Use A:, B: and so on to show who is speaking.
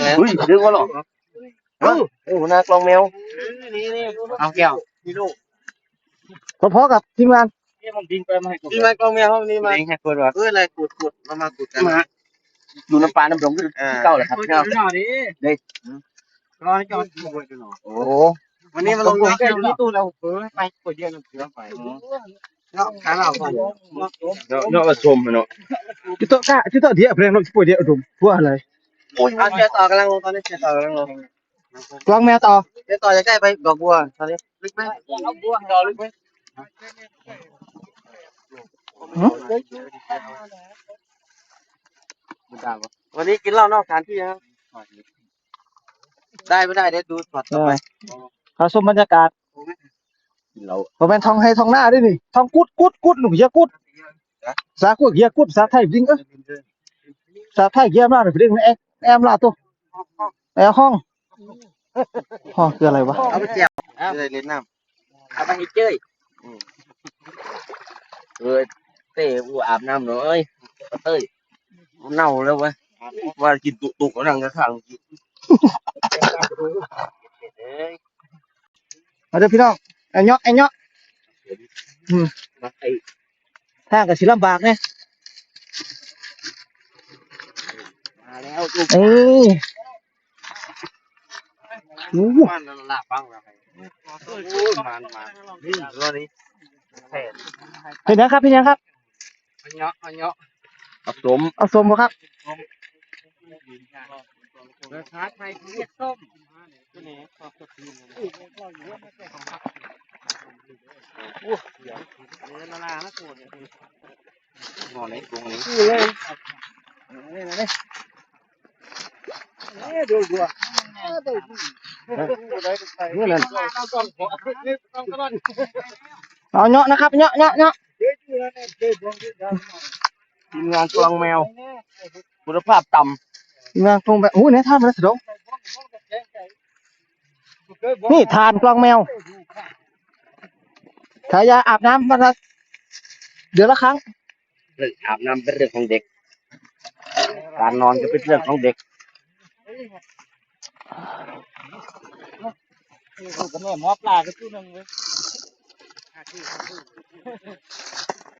A: เฮ้ยดึงมาหรอโอ้หน้ากลองแมว
B: เอาแก้ว
C: พอๆกับทีมงาน
B: นี่มากองแมวนี่มาให้กดว่าอะไรกดมากุดกันมา
A: ดูน้ำปลาน้ำดงที่เก่าเลยครับเก่าเลยโอ้
B: วันนี้มาลงแค่ที่ตู้เราไปกดเยอะเราเสือไปเนาะขาเราก่อน
A: เนาะมาชมเนาะ
C: จุดต่อเดียวเพลงเราป่วยเดียวดุมพวกอะไร
B: เอาเชียร์ต่อกำลังลงตอนนี้เชียร์ต่อกำลังลง
C: กลางแมวต่อ
B: เชียร์ต่อจะใกล้ไปดอกบัวตอนนี้ลึกไหมดอกบัวดอกลึกไหมวันนี้กินเหล้านอกสถานที่ครับได้ไม่ได้เดี๋ยวดูสดต่อไป
C: เขาชมบรรยากาศผมเป็นทองให้ทองหน้าด้วยนี่ทองกุดหนุ่มเยอะกุดสากุดเยอะกุดสาไทยจริงสาไทยเยอะมากเลยจริงแอมลาตัวแอมห้องคืออะไรวะ
B: เอาไปเจียวจะได้เล่นน้ำเอาไปให้เจ้ยเต้กูอาบน้ำหน่อยเต้ยเน่าแล้ววะว่ากินตุกนั่งกระถาง
C: มาเด้อพี่น้องไอ้เนาะทางกับศิลปากเนี่ย
B: มาแล้วมันหลับบ้างแล้วมันนี่รอนี้
C: เป็นยังครับเป็นยังครับ
B: อันเนาะ
C: เอาสมบ่ครับ
B: ราคาไทยเรียกส้มละลานะโกดงอไหนกงนี้ดูดู
C: เอาเนาะนะครับเนาะ
A: ทีมงานกลองแมวคุณภาพต่ำ
C: ทีมงานกลองแบบโอ้เนี่ยท่านมาแล้วสินี่ทานกลองแมวขายาอาบน้ำมาละเดือนละครั้ง
A: เรื่องอาบน้ำเป็นเรื่องของเด็กการนอนก็เป็นเรื่องของเด็ก
B: ก็แม่หมอปลาก็ตู้นึงเลย